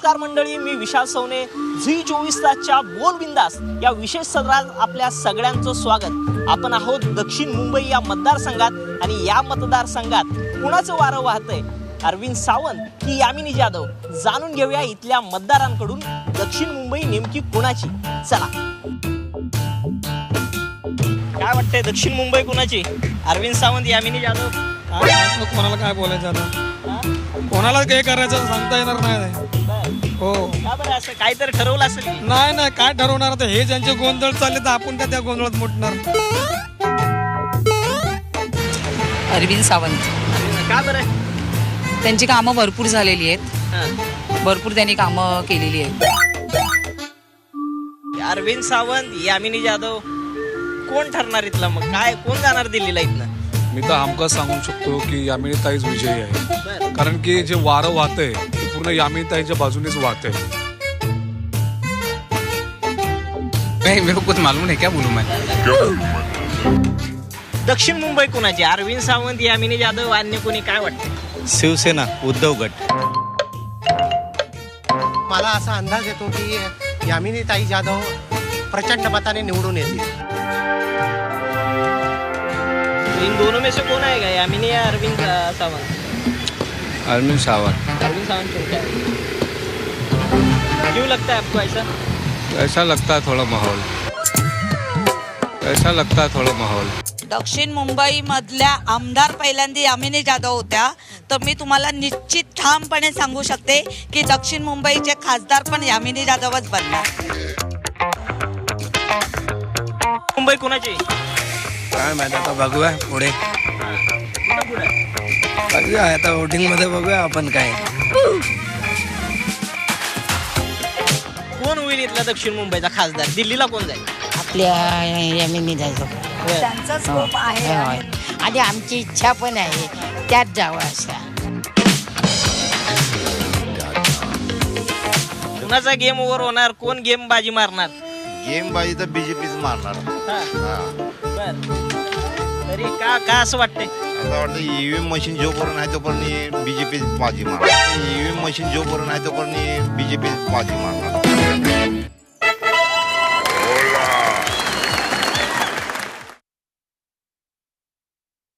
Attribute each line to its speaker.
Speaker 1: नमस्कार मंडळी, मी विशाल सवने. झी 24 तासच्या बोल बिंदास या विशेष सदरात आपल्या सगळ्यांचं स्वागत. आपण आहोत दक्षिण मुंबई या मतदारसंघात आणि या मतदारसंघात कुणाचं वारं वाहतंय, अरविंद सावंत की यामिनी जाधव? जाणून घेऊया इथल्या मतदारांकडून दक्षिण मुंबई नेमकी कुणाची. चला, काय वाटतंय दक्षिण मुंबई कुणाची? अरविंद सावंत, यामिनी जाधव?
Speaker 2: कोणाला काय बोलायचं आता, कोणाला काय करायचं सांगता येणार नाही. हो,
Speaker 1: का बरं असं काहीतरी ठरवलं असेल की?
Speaker 2: नाही काय ठरवणार आता, हे ज्यांचे गोंधळ चालले तर आपण त्या गोंधळात मुटणार.
Speaker 3: अरविंद सावंत.
Speaker 1: का बरं?
Speaker 3: त्यांची कामं भरपूर झालेली आहेत,
Speaker 1: हां.
Speaker 3: भरपूर त्यांनी कामं केलेली आहेत.
Speaker 1: अरविंद सावंत, यामिनी जाधव, कोण ठरणार इथला? मग काय, कोण जाणार दिल्लीला इथनं?
Speaker 4: मी तर हमखास सांगू शकतो की यामिनी ताईच विजयी आहे.
Speaker 1: बरं.
Speaker 4: कारण की जे वारं वाहतंय ते पूर्ण यामिनी ताईच्या बाजूनेच वाहतंय.
Speaker 5: नहीं, मेरे को कुछ मालूम नहीं, क्या बोलूं मैं.
Speaker 1: दक्षिण मुंबई कुणाची? अरविंद सावंत, यामिनी जाधव, अन्य कोणी? काय वाटतं?
Speaker 6: शिवसेना, उद्धव गट.
Speaker 7: मला असा अंदाज येतो की यामिनी ताई जाधव प्रचंड मताने निवडून येतील.
Speaker 1: इन दोनों में से कौन आएगा, यामिनी या अरविंद सावंत?
Speaker 5: अरविंद सावंत.
Speaker 1: अरविंद सावंत क्यों? क्या क्यों लगता है आपको ऐसा?
Speaker 5: ऐसा लगता है थोड़ा माहौल, ऐसा लगता है थोड़ा माहौल.
Speaker 8: दक्षिण मुंबई मधल्या आमदार पहिल्यांदा यामिनी जाधव होत्या, तर मी तुम्हाला निश्चित ठामपणे सांगू शकते की दक्षिण मुंबईचे खासदार पण यामिनी जाधवच बनणार.
Speaker 1: मुंबई कुणाची?
Speaker 2: काय माहिती, आता बघूया पुढे, बघूया आता वोटिंग मध्ये बघूया आपण काय.
Speaker 1: कोण होईल इथला दक्षिण मुंबईचा खासदार? दिल्लीला कोण जाईल?
Speaker 9: आपल्या यामिनी जायचं
Speaker 8: त्यांचा स्कोप आहे.
Speaker 9: आणि आमची इच्छा पण आहे त्यात जावं असा.
Speaker 1: कुणाचा गेम ओव्हर होणार? कोण गेम बाजी मारणार?
Speaker 6: गेम बाजी तर बीजेपीच मारणार.
Speaker 1: बर. तरी का असं वाटतंय?
Speaker 6: असं वाटतं ईव्हीएम मशीन जोपर्यंत आहे तोपर्यंत बीजेपी बाजी मारणार. ईव्हीएम मशीन जोपर्यंत आहे तोपर्यंत बीजेपी बाजी मारणार.